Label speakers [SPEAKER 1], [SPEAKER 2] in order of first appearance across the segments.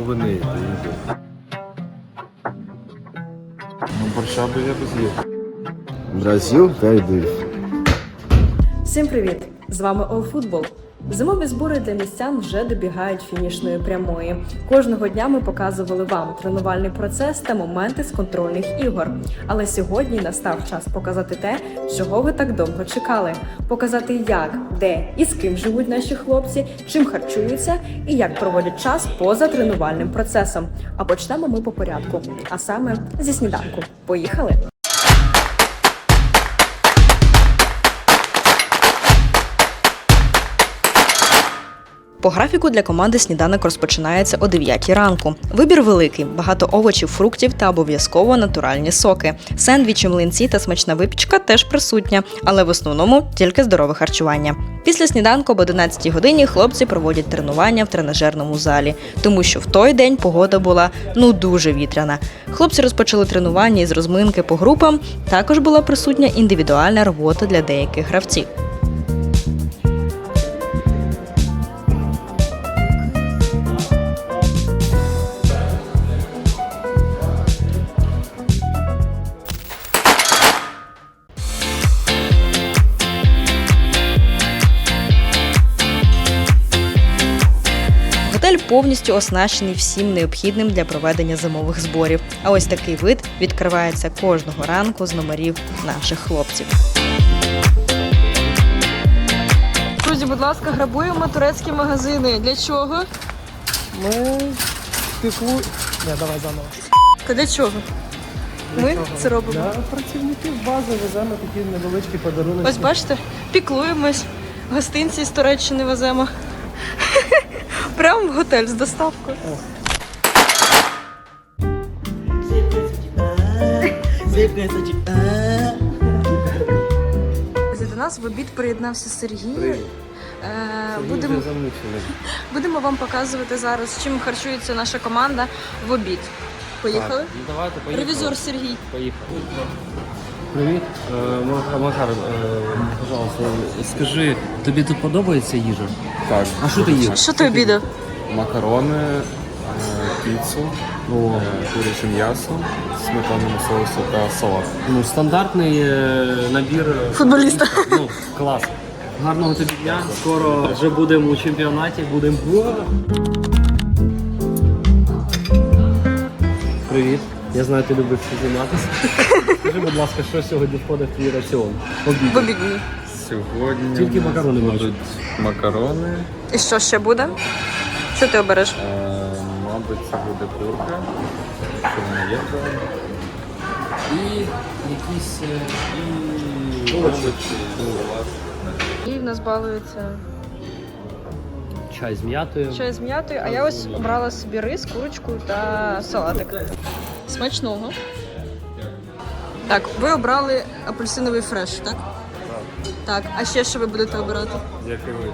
[SPEAKER 1] ви не їдете? Ну, борща би я би з'їв. Бразил, Кайдив.
[SPEAKER 2] Всім привіт! З вами Allfootball. Зимові збори для містян вже добігають фінішної прямої. Кожного дня ми показували вам тренувальний процес та моменти з контрольних ігор. Але сьогодні настав час показати те, чого ви так довго чекали. Показати, як, де і з ким живуть наші хлопці, чим харчуються і як проводять час поза тренувальним процесом. А почнемо ми по порядку, а саме зі сніданку. Поїхали! По графіку для команди сніданок розпочинається о 9 ранку. Вибір великий, багато овочів, фруктів та обов'язково натуральні соки. Сендвічі, млинці та смачна випічка теж присутня, але в основному тільки здорове харчування. Після сніданку об 11 годині хлопці проводять тренування в тренажерному залі, тому що в той день погода була дуже вітряна. Хлопці розпочали тренування із розминки по групам, також була присутня індивідуальна робота для деяких гравців. Готель повністю оснащений всім необхідним для проведення зимових зборів. А ось такий вид відкривається кожного ранку з номерів наших хлопців. Друзі, будь ласка, грабуємо турецькі магазини. Для чого?
[SPEAKER 3] Ми піклу... Не, давай заново.
[SPEAKER 2] Для чого? Ми це робимо.
[SPEAKER 3] Для працівників бази веземо такі невеличкі подарунки.
[SPEAKER 2] Ось бачите, піклуємось, гостинці з Туреччини веземо. Прямо в готель з доставкою. До нас в обід приєднався Сергій. Будемо вам показувати зараз, чим харчується наша команда в обід. Поїхали?
[SPEAKER 1] Давайте, поїхали.
[SPEAKER 2] Ревізор Сергій.
[SPEAKER 1] Поїхали. Привіт. Макар, пожалуйста, скажи, тобі тут подобається їжа? Так. А що ти їв?
[SPEAKER 2] Що ти обідав?
[SPEAKER 1] Макарони, піцу, куряче м'ясо, сметанному соусу та салат. Ну, стандартний набір
[SPEAKER 2] Футболіста.
[SPEAKER 1] Ну, клас. Гарного тобі дня. Скоро вже будемо у чемпіонаті, будемо. Привіт. Я знаю, ти любиш займатися. Скажи, будь ласка, що сьогодні входить в твій раціон? Обід.
[SPEAKER 2] В обідній.
[SPEAKER 1] Сьогодні тільки макарони будуть. Макарони.
[SPEAKER 2] І що ще буде? Що ти обереш?
[SPEAKER 1] Мабуть, це буде курка. Що вона є? І якісь овочі.
[SPEAKER 2] І в нас балується
[SPEAKER 1] Чай з м'ятою.
[SPEAKER 2] чай з м'ятою, а я ось обрала собі рис, курочку та салатик. Смачного. Так, ви обрали апельсиновий фреш, так? Так. А ще що ви будете обирати?
[SPEAKER 1] Який ви?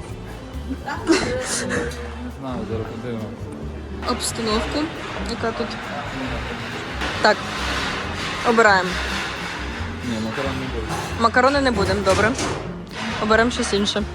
[SPEAKER 1] Знаю, зараз подивимо.
[SPEAKER 2] Обстановку, яка тут. Так. Обираємо.
[SPEAKER 1] Ні, макарон не буде.
[SPEAKER 2] Макарони не будемо, добре. Оберемо щось інше.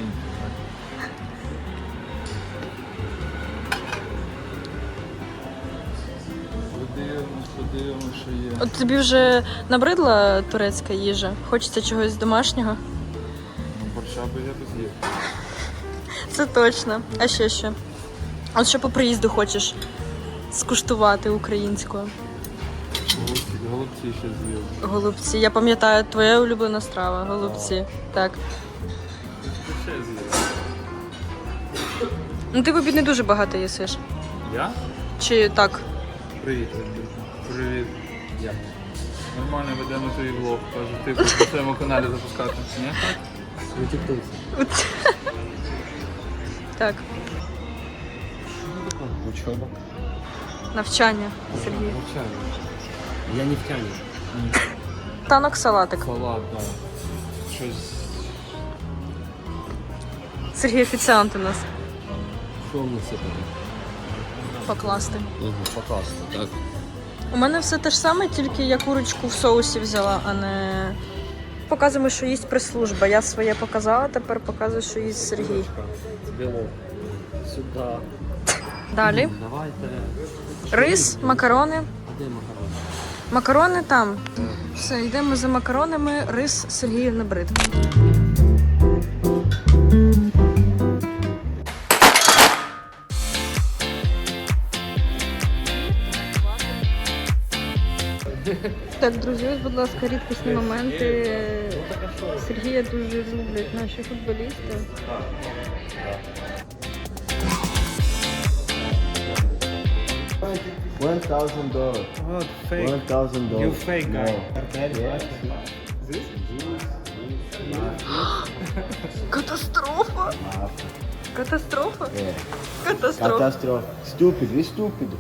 [SPEAKER 1] Подивимо, що є.
[SPEAKER 2] От тобі вже набридла турецька їжа? Хочеться чогось домашнього?
[SPEAKER 1] Ну, борща би я би з'їв.
[SPEAKER 2] Це точно. А ще що? От що по приїзду хочеш скуштувати українською?
[SPEAKER 1] Голубці ще з'їв.
[SPEAKER 2] Голубці. Я пам'ятаю, твоя улюблена страва. Голубці. Так.
[SPEAKER 1] Ще з'їв.
[SPEAKER 2] Ну ти в обід не дуже багато їсиш.
[SPEAKER 1] Я?
[SPEAKER 2] Чи так?
[SPEAKER 1] Привіт, привіт. Як? Нормально ведемо твій влог. Кажу, ти по своєму каналі запускати. Ні? Ви тіктоці.
[SPEAKER 2] Так.
[SPEAKER 1] Учоба.
[SPEAKER 2] Навчання, Сергій.
[SPEAKER 1] Навчання. Я не втягну.
[SPEAKER 2] Танок салатик.
[SPEAKER 1] Салат, да. Щось.
[SPEAKER 2] Сергій офіціант у нас.
[SPEAKER 1] Що в нас це таке?
[SPEAKER 2] Покласти.
[SPEAKER 1] Покласти, так.
[SPEAKER 2] У мене все те ж саме, тільки я курочку в соусі взяла, а не... Показуємо, що їсть прес-служба. Я своє показала, тепер показую, що їсть Сергій.
[SPEAKER 1] Білок. Сюди.
[SPEAKER 2] Далі.
[SPEAKER 4] Давайте.
[SPEAKER 2] Рис, макарони.
[SPEAKER 4] А де макарони?
[SPEAKER 2] Макарони там. Все, йдемо за макаронами. Рис Сергію набрид. Так, друзі, ось, будь ласка, рідкісні моменти. Сергія дуже люблять наші футболісти.
[SPEAKER 5] $1,000.
[SPEAKER 3] What? Fake.
[SPEAKER 5] $1,000.
[SPEAKER 3] You fake guy.
[SPEAKER 2] Катастрофа! Катастрофа?
[SPEAKER 5] É.
[SPEAKER 2] Катастрофа.
[SPEAKER 5] Catástrofe. Estúpido, estúpido.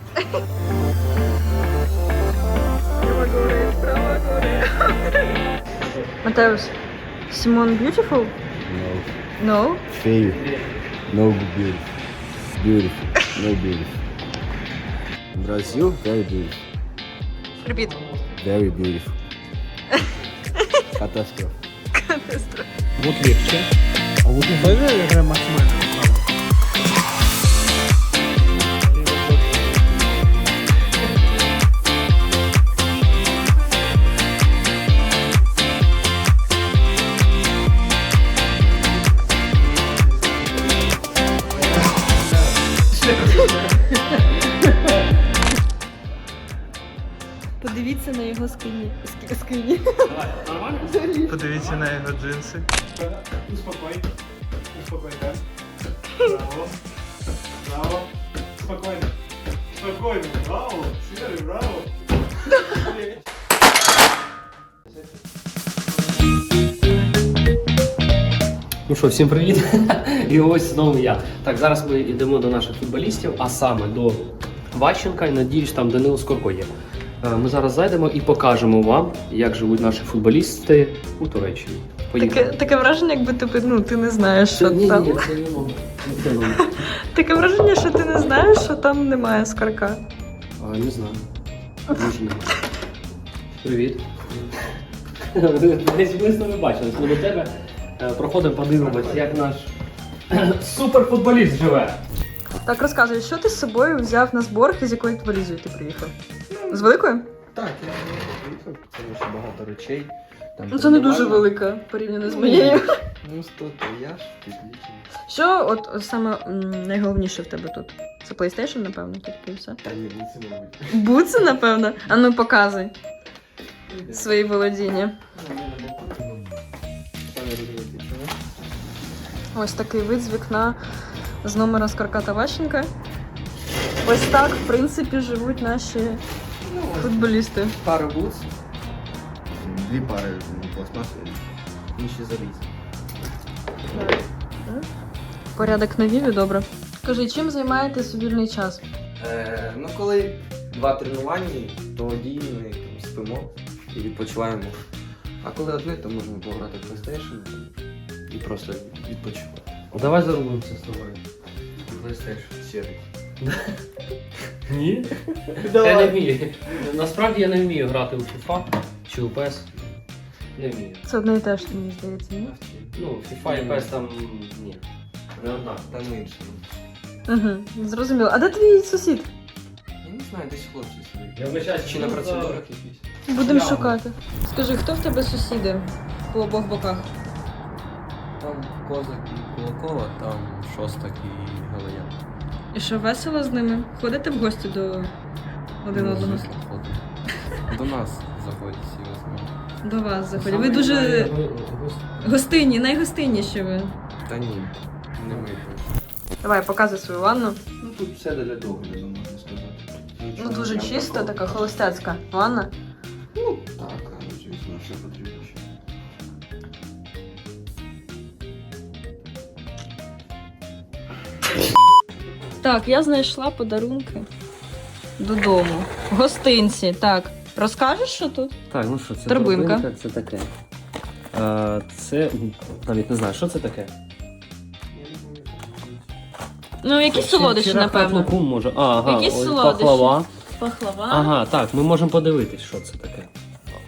[SPEAKER 2] Матеус, Симон beautiful?
[SPEAKER 5] No.
[SPEAKER 2] No?
[SPEAKER 5] Feio. No beautiful. Beautiful. No beautiful. Brasil, very beautiful.
[SPEAKER 2] Repeat.
[SPEAKER 5] Very beautiful. Catástrofe.
[SPEAKER 3] Вот легче. А вот тоже игра максимально.
[SPEAKER 2] Подивіться на його скині. Скині.
[SPEAKER 1] Подивіться на його джинси.
[SPEAKER 3] Успокой. Успокой, да? Браво. Браво. Спокойно. Спокойно. Браво. Серый, браво.
[SPEAKER 4] Ну що, всім привіт! І ось знову я. Так, зараз ми йдемо до наших футболістів, а саме до Ващенка і надіюсь, там Данило Скорко є. Ми зараз зайдемо і покажемо вам, як живуть наші футболісти у Туреччині. Поїхали.
[SPEAKER 2] Таке враження, якби ти не знаєш, що
[SPEAKER 4] Ні,
[SPEAKER 2] там.
[SPEAKER 4] ні, це не воно. Це не воно.
[SPEAKER 2] Таке враження, що ти не знаєш, що там немає скарка.
[SPEAKER 4] Не знаю. Може не. Привіт. Десь ми з ними бачились. Ми до тебе проходимо, подивимось, як наш суперфутболіст живе.
[SPEAKER 2] Так, розказуй, що ти з собою взяв на збор і з якою валізою ти приїхав? З великою?
[SPEAKER 6] Так, я приїхав, тому що багато речей. Там
[SPEAKER 2] Ну це не дуже
[SPEAKER 6] передавали.
[SPEAKER 2] велика порівняно з моєю.
[SPEAKER 6] Ну, 100 то я ж підлічений.
[SPEAKER 2] Що от саме найголовніше в тебе тут? Це PlayStation, напевно, тільки і все.
[SPEAKER 6] Та ні, ну це мабуть.
[SPEAKER 2] Буци, напевно? А ну показуй свої володіння.
[SPEAKER 6] Самі розумієте, чого?
[SPEAKER 2] Ось такий вид з вікна з номера Скарка та Ващенка. Ось так, в принципі, живуть наші футболісти.
[SPEAKER 6] Пара бутс. Дві пари пластмасові, інші залізні.
[SPEAKER 2] Порядок на Віві, добре. Скажи, чим займаєтесь у вільний час?
[SPEAKER 6] Ну, коли два тренування, тоді ми там спимо і відпочиваємо. А коли одне, то можемо пограти в PlayStation і просто відпочивати.
[SPEAKER 4] Давай зарубимося з тобою.
[SPEAKER 6] PlayStation сірий.
[SPEAKER 4] Ні? Я не вмію. Насправді я не вмію грати у FIFA чи у PES. Не вмію.
[SPEAKER 2] Це одне і те ж, мені здається, ні?
[SPEAKER 4] Ну, FIFA і PES там ні. Не однак.
[SPEAKER 6] Там інше.
[SPEAKER 2] Угу, зрозуміло. А де твій сусід?
[SPEAKER 6] Я не знаю, десь хлопці сидять.
[SPEAKER 4] Я вибачаюсь,
[SPEAKER 6] Чи на процедурах якісь.
[SPEAKER 2] Будемо шукати. Скажи, хто в тебе сусіди по обох боках?
[SPEAKER 6] Там Козак і Кулакова, там Шостак і Галаян.
[SPEAKER 2] І що, весело з ними? Ходите в гості до один одного?
[SPEAKER 6] До нас заходять всі возьмемо.
[SPEAKER 2] До вас заходять. Ви дуже гостинні, найгостинніші ви.
[SPEAKER 6] Та ні, не ми точно.
[SPEAKER 2] Давай, показуй свою ванну.
[SPEAKER 6] Ну тут все для догляду, можна сказати.
[SPEAKER 2] Ну
[SPEAKER 6] Нічого
[SPEAKER 2] дуже
[SPEAKER 6] прям
[SPEAKER 2] чиста,
[SPEAKER 6] такого.
[SPEAKER 2] така холостяцька ванна.
[SPEAKER 6] Ну так, а звісно, що потрібно ще.
[SPEAKER 2] Так, я знайшла подарунки додому. Гостинці. Так, розкажеш, що тут?
[SPEAKER 4] Так, ну що, це
[SPEAKER 2] Торбинка.
[SPEAKER 4] торбинка, це таке. Це навіть не знаю, що це таке.
[SPEAKER 2] Ну, якісь солодощі, напевно.
[SPEAKER 4] Лукум може. Ага,
[SPEAKER 2] Якісь
[SPEAKER 4] ось
[SPEAKER 2] солодощі.
[SPEAKER 4] пахлава.
[SPEAKER 2] Пахлава.
[SPEAKER 4] Ага, так, ми можемо подивитись, що це таке.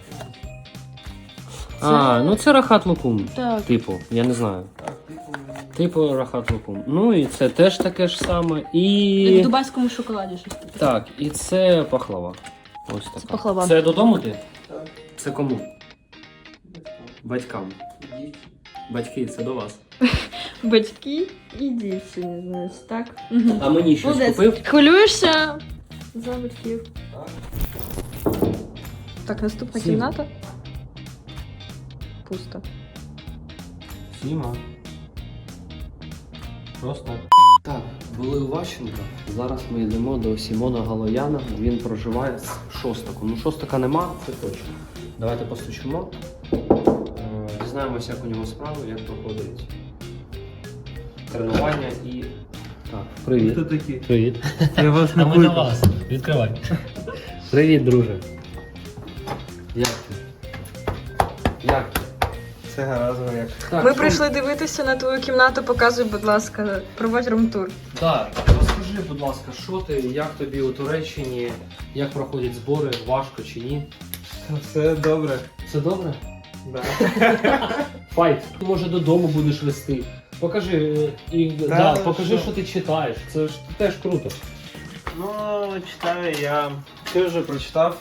[SPEAKER 4] Ну це рахат лукум.
[SPEAKER 2] Так.
[SPEAKER 4] Типу, я не знаю.
[SPEAKER 6] Так, типу,
[SPEAKER 4] Типу рахат лукум. Ну і це теж таке ж саме.
[SPEAKER 2] Як в
[SPEAKER 4] І.
[SPEAKER 2] дубайському шоколаді щось таке.
[SPEAKER 4] Так, і це пахлава. Ось така.
[SPEAKER 2] пахлава.
[SPEAKER 4] Це додому ти?
[SPEAKER 6] Так.
[SPEAKER 4] Це кому? Батькам. Батьки, це до вас.
[SPEAKER 2] Батьки і дівчині, значить, так?
[SPEAKER 4] А мені щось
[SPEAKER 2] Молодець.
[SPEAKER 4] купив?
[SPEAKER 2] Хвилюєшся за батьків. Так, наступна
[SPEAKER 4] Сім.
[SPEAKER 2] кімната. Пусто.
[SPEAKER 4] Сіма. Просто. Так, були у Ващенка. Зараз ми йдемо до Сімона Галояна. Він проживає з Шостаком. Ну, Шостака нема, це точно. Давайте постучимо. Дізнаємося, як у нього справи, як проходить тренування і. Так, привіт.
[SPEAKER 3] Хто такі?
[SPEAKER 4] Привіт.
[SPEAKER 3] Я вас
[SPEAKER 4] А ми до вас. Відкривай. Привіт, друже. Як ти? Як ти?
[SPEAKER 3] Це гаразд, як.
[SPEAKER 4] Так,
[SPEAKER 2] Ми
[SPEAKER 4] що-
[SPEAKER 2] прийшли дивитися на твою кімнату, показуй, будь ласка, проводь румтур.
[SPEAKER 4] Так, розкажи, будь ласка, що ти, як тобі у Туреччині, як проходять збори, важко чи ні?
[SPEAKER 3] Все добре.
[SPEAKER 4] Все добре?
[SPEAKER 3] Да.
[SPEAKER 4] Файт. Ти, може, додому будеш вести. Покажи, покажи, що ти читаєш. Це ж теж круто.
[SPEAKER 3] Ну, читаю я. Ти вже прочитав?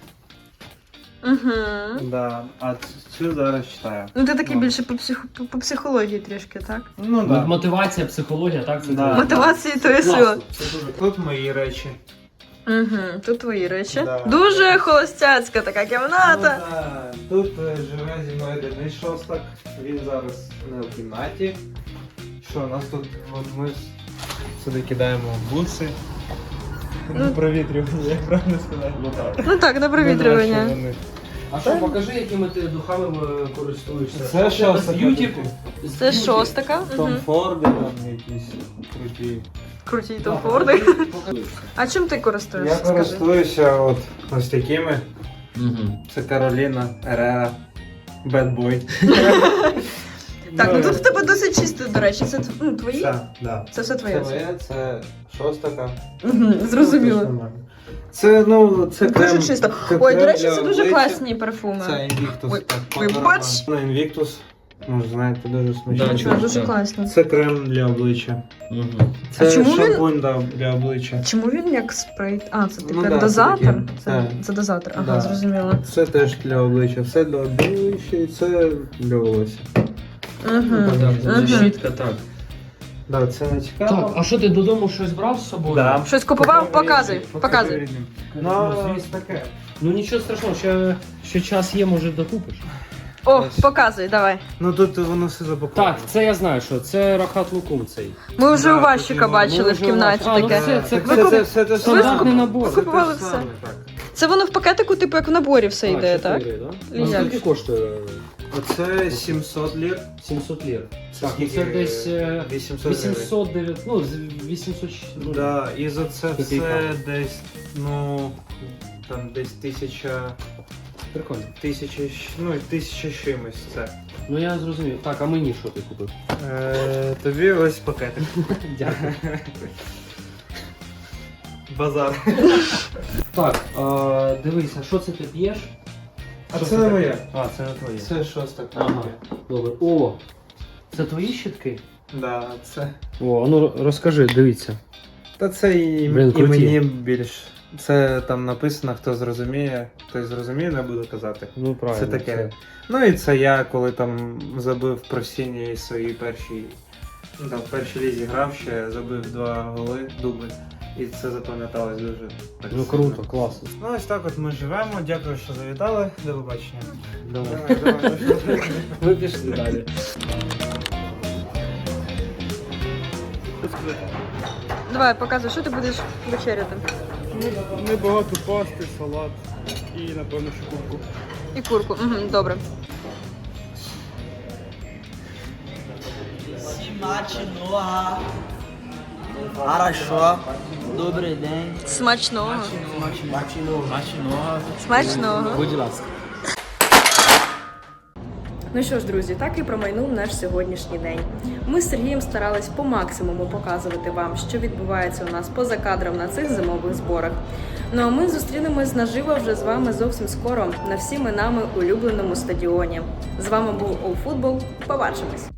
[SPEAKER 2] Угу.
[SPEAKER 3] Да. А цю зараз читаю.
[SPEAKER 2] Ну ти такий
[SPEAKER 3] Ну.
[SPEAKER 2] більше по психології трішки, так?
[SPEAKER 3] Ну да.
[SPEAKER 4] Мотивація, психологія, так? Це
[SPEAKER 3] Да.
[SPEAKER 4] твоє.
[SPEAKER 2] Мотивації то є сила.
[SPEAKER 4] Класно. Це дуже
[SPEAKER 3] Тут мої речі.
[SPEAKER 2] Угу. Тут твої речі.
[SPEAKER 3] Да.
[SPEAKER 2] Дуже холостяцька така
[SPEAKER 3] Ну,
[SPEAKER 2] кімната.
[SPEAKER 3] да. Тут живе зі мною Денис Шостак. Він зараз не в кімнаті. Що, у нас тут от ми сюди кидаємо буси. Ну, провітрювання, як правильно сказати.
[SPEAKER 4] Ну так.
[SPEAKER 2] Ну так, на провітрювання.
[SPEAKER 3] Ну, да, що вони.
[SPEAKER 4] А що, покажи, якими ти духами користуєшся.
[SPEAKER 3] Це що,
[SPEAKER 4] з б'юті?
[SPEAKER 2] Це Шостака.
[SPEAKER 3] Том
[SPEAKER 2] Угу.
[SPEAKER 3] Форди там якісь круті.
[SPEAKER 2] Круті
[SPEAKER 4] Да,
[SPEAKER 2] Том Форди.
[SPEAKER 4] покажи.
[SPEAKER 2] А чим ти користуєшся?
[SPEAKER 3] Я
[SPEAKER 2] Скажи.
[SPEAKER 3] користуюся от ось такими.
[SPEAKER 4] Мгм.
[SPEAKER 3] Це Кароліна Ерера. Bad Boy.
[SPEAKER 2] Так, ну тут в тебе досить чисто, до речі. Це твої?
[SPEAKER 3] Це, да.
[SPEAKER 2] Це все
[SPEAKER 3] Це
[SPEAKER 2] твоє.
[SPEAKER 3] моє, це Шостака.
[SPEAKER 2] Угу, зрозуміло.
[SPEAKER 3] Це, ну, це крем.
[SPEAKER 2] Дуже чисто.
[SPEAKER 3] це
[SPEAKER 2] Ой, до
[SPEAKER 3] крем
[SPEAKER 2] речі,
[SPEAKER 3] для
[SPEAKER 2] це дуже
[SPEAKER 3] обличчя.
[SPEAKER 2] класні парфуми.
[SPEAKER 3] Це Invictus.
[SPEAKER 2] Ой,
[SPEAKER 3] так,
[SPEAKER 2] ой,
[SPEAKER 3] по
[SPEAKER 2] бач!
[SPEAKER 3] Ну, Invictus. Ну, знаєте, дуже
[SPEAKER 4] Да,
[SPEAKER 3] смачний.
[SPEAKER 4] чую.
[SPEAKER 2] Дуже
[SPEAKER 4] Так.
[SPEAKER 2] класно.
[SPEAKER 3] Це крем для обличчя.
[SPEAKER 4] Мгм.
[SPEAKER 3] Це
[SPEAKER 2] чому він-
[SPEAKER 3] шампунь для обличчя.
[SPEAKER 2] Чому він як спрей? А, це типу
[SPEAKER 3] Ну
[SPEAKER 2] як
[SPEAKER 3] да, це
[SPEAKER 2] дозатор?
[SPEAKER 3] таке.
[SPEAKER 2] Це,
[SPEAKER 3] Так.
[SPEAKER 2] це дозатор, ага,
[SPEAKER 3] Да.
[SPEAKER 2] зрозуміло.
[SPEAKER 3] Це теж для обличчя. Все для обличчя і це для волосся.
[SPEAKER 2] Угу.
[SPEAKER 4] Так, це
[SPEAKER 2] Мгм.
[SPEAKER 4] щітка, так.
[SPEAKER 3] Да, це не цікаво.
[SPEAKER 4] Так, а що ти додому щось брав з собою?
[SPEAKER 3] Да.
[SPEAKER 2] Щось купував? Показуй, показуй.
[SPEAKER 3] рідним.
[SPEAKER 4] Ну,
[SPEAKER 3] Ну,
[SPEAKER 4] звісно.
[SPEAKER 3] таке.
[SPEAKER 4] Ну нічого страшного, ще час є, може докупиш.
[SPEAKER 2] О,
[SPEAKER 3] Ось.
[SPEAKER 2] показуй, давай.
[SPEAKER 3] Ну тут воно все запаковано.
[SPEAKER 4] Так, це я знаю, що це рахат лукум цей.
[SPEAKER 2] Ми вже
[SPEAKER 3] Да,
[SPEAKER 2] у Ващика
[SPEAKER 3] тут
[SPEAKER 2] бачили
[SPEAKER 4] ми
[SPEAKER 2] в
[SPEAKER 4] вже
[SPEAKER 2] кімнаті
[SPEAKER 4] у вас- А, ну
[SPEAKER 2] таке.
[SPEAKER 4] все, це
[SPEAKER 3] це все те
[SPEAKER 4] стандартний
[SPEAKER 3] саме.
[SPEAKER 4] набор.
[SPEAKER 3] Це
[SPEAKER 2] Ви купували
[SPEAKER 3] те
[SPEAKER 2] все.
[SPEAKER 3] саме, так.
[SPEAKER 2] Це воно в пакетику, типу як в наборі все йде, так?
[SPEAKER 4] 4, да?
[SPEAKER 2] І
[SPEAKER 4] А
[SPEAKER 2] як
[SPEAKER 4] скільки
[SPEAKER 2] ж?
[SPEAKER 4] коштує?
[SPEAKER 3] Оце 700 лір.
[SPEAKER 4] 700 лір. Так, ну це
[SPEAKER 3] Скільки?
[SPEAKER 4] десь
[SPEAKER 3] 800
[SPEAKER 4] 800, ну, 800, ну,
[SPEAKER 3] Да, і за це все
[SPEAKER 4] Копійка.
[SPEAKER 3] десь, ну, там десь 1000,
[SPEAKER 4] прикольно.
[SPEAKER 3] ну, 1000 з чимось це.
[SPEAKER 4] Ну я зрозумів. Так, а мені що ти купив?
[SPEAKER 3] Тобі ось пакетик.
[SPEAKER 4] Дякую.
[SPEAKER 3] Базар.
[SPEAKER 4] Так, дивися, що це ти п'єш?
[SPEAKER 3] А
[SPEAKER 4] Що
[SPEAKER 3] це не
[SPEAKER 4] таке?
[SPEAKER 3] моє.
[SPEAKER 4] А, це не твоє.
[SPEAKER 3] Це шоста
[SPEAKER 4] Ага,
[SPEAKER 3] кнопка.
[SPEAKER 4] добре. О, це твої щітки?
[SPEAKER 3] Да, це.
[SPEAKER 4] О, а ну розкажи, дивіться.
[SPEAKER 3] Та це і,
[SPEAKER 4] Блін,
[SPEAKER 3] і
[SPEAKER 4] круті.
[SPEAKER 3] мені більш. Це там написано, хто зрозуміє, хтось зрозуміє, не буду казати.
[SPEAKER 4] Ну правильно.
[SPEAKER 3] Це таке. Ну і це я, коли там забив про сіні свої перші. Ну там в першій лізі грав ще, забив 2 голи, дубль. І це запам'яталось дуже так.
[SPEAKER 4] Ну
[SPEAKER 3] сильно.
[SPEAKER 4] круто, класно.
[SPEAKER 3] Ну ось так от ми живемо. Дякую, що завітали. До побачення.
[SPEAKER 4] Давай. Ми пішли далі.
[SPEAKER 2] Давай, показуй, що ти будеш вечеряти.
[SPEAKER 3] Небагато пасти, салат і напевно шкурку.
[SPEAKER 2] І курку. Угу, добре.
[SPEAKER 7] Смачного. Хорошо. Добрий день.
[SPEAKER 2] Смачного.
[SPEAKER 7] Смачного.
[SPEAKER 2] Смачного.
[SPEAKER 7] Будь ласка.
[SPEAKER 2] Ну що ж, друзі, так і промайнув наш сьогоднішній день. Ми з Сергієм старались по максимуму показувати вам, що відбувається у нас поза кадром на цих зимових зборах. Ну а ми зустрінемось наживо вже з вами зовсім скоро на всіми нами улюбленому стадіоні. З вами був Allfootball. Побачимось!